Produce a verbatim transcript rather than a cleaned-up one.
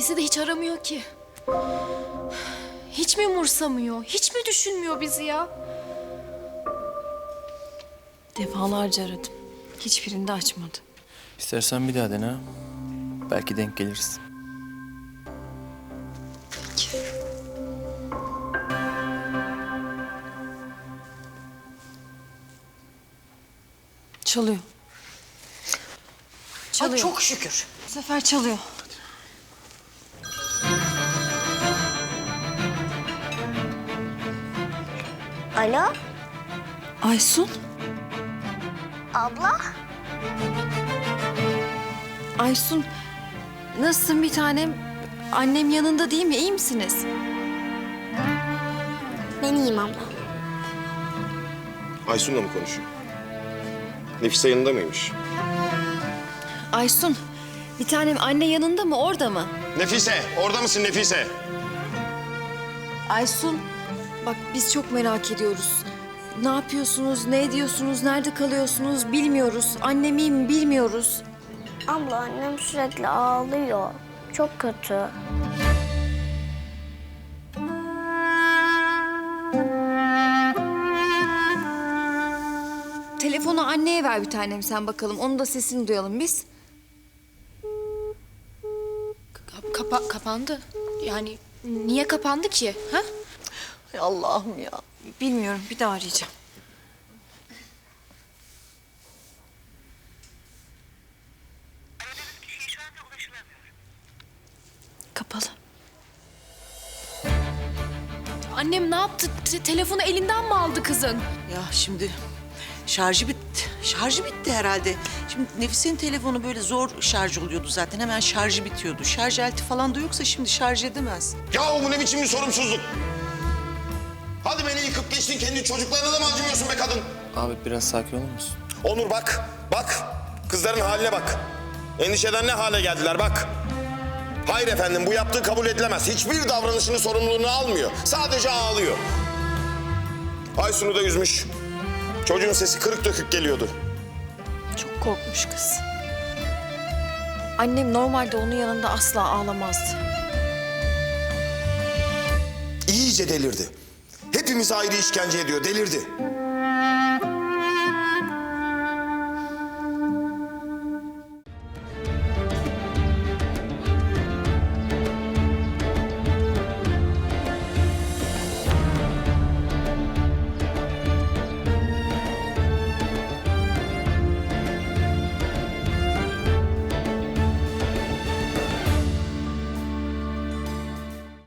Bizi de hiç aramıyor ki. Hiç mi umursamıyor? Hiç mi düşünmüyor bizi ya? Defalarca aradım. Hiçbirinde açmadı. İstersen bir daha dene ha. Belki denk geliriz. Çalıyor. Çalıyor. Ay çok şükür. Bu sefer çalıyor. Alo, Aysun. abla? Aysun. Nasılsın bir tanem? Annem yanında değil mi? İyi misiniz? Ben iyiyim abla. Aysun'la mı konuşuyor? Nefise yanında mıymış? Aysun. Bir tanem anne yanında mı? Orada mı? Nefise, orada mısın Nefise? Aysun. Bak biz çok merak ediyoruz. Ne yapıyorsunuz? Ne ediyorsunuz? Nerede kalıyorsunuz? Bilmiyoruz. Annem iyi mi? Bilmiyoruz. Abla annem sürekli ağlıyor. Çok kötü. Telefonu anneye ver bir tanem sen bakalım. Onun da sesini duyalım biz. Ka- kapa- kapandı. Yani niye kapandı ki? Ha? Ay Allah'ım ya. Bilmiyorum. Bir daha arayacağım. Kapalı. Annem ne yaptı? Te- telefonu elinden mi aldı kızın? Ya şimdi şarjı bitti. Şarjı bitti herhalde. Şimdi Nefise'nin telefonu böyle zor şarj oluyordu zaten. Hemen şarjı bitiyordu. Şarj aleti falan da yoksa şimdi şarj edemez. Yahu bu ne biçim bir sorumsuzluk? Hadi beni yıkıp geçtin, kendi çocuklarına da mı acımıyorsun be kadın? Abi biraz sakin olur musun? Onur bak, bak. Kızların haline bak. Endişeden ne hale geldiler bak. Hayır efendim, bu yaptığı kabul edilemez. Hiçbir davranışını sorumluluğunu almıyor. Sadece ağlıyor. Aysun'u da üzmüş. Çocuğun sesi kırık dökük geliyordu. Çok korkmuş kız. Annem normalde onun yanında asla ağlamazdı. İyice delirdi. Hepimizi ayrı işkence ediyor, delirdi.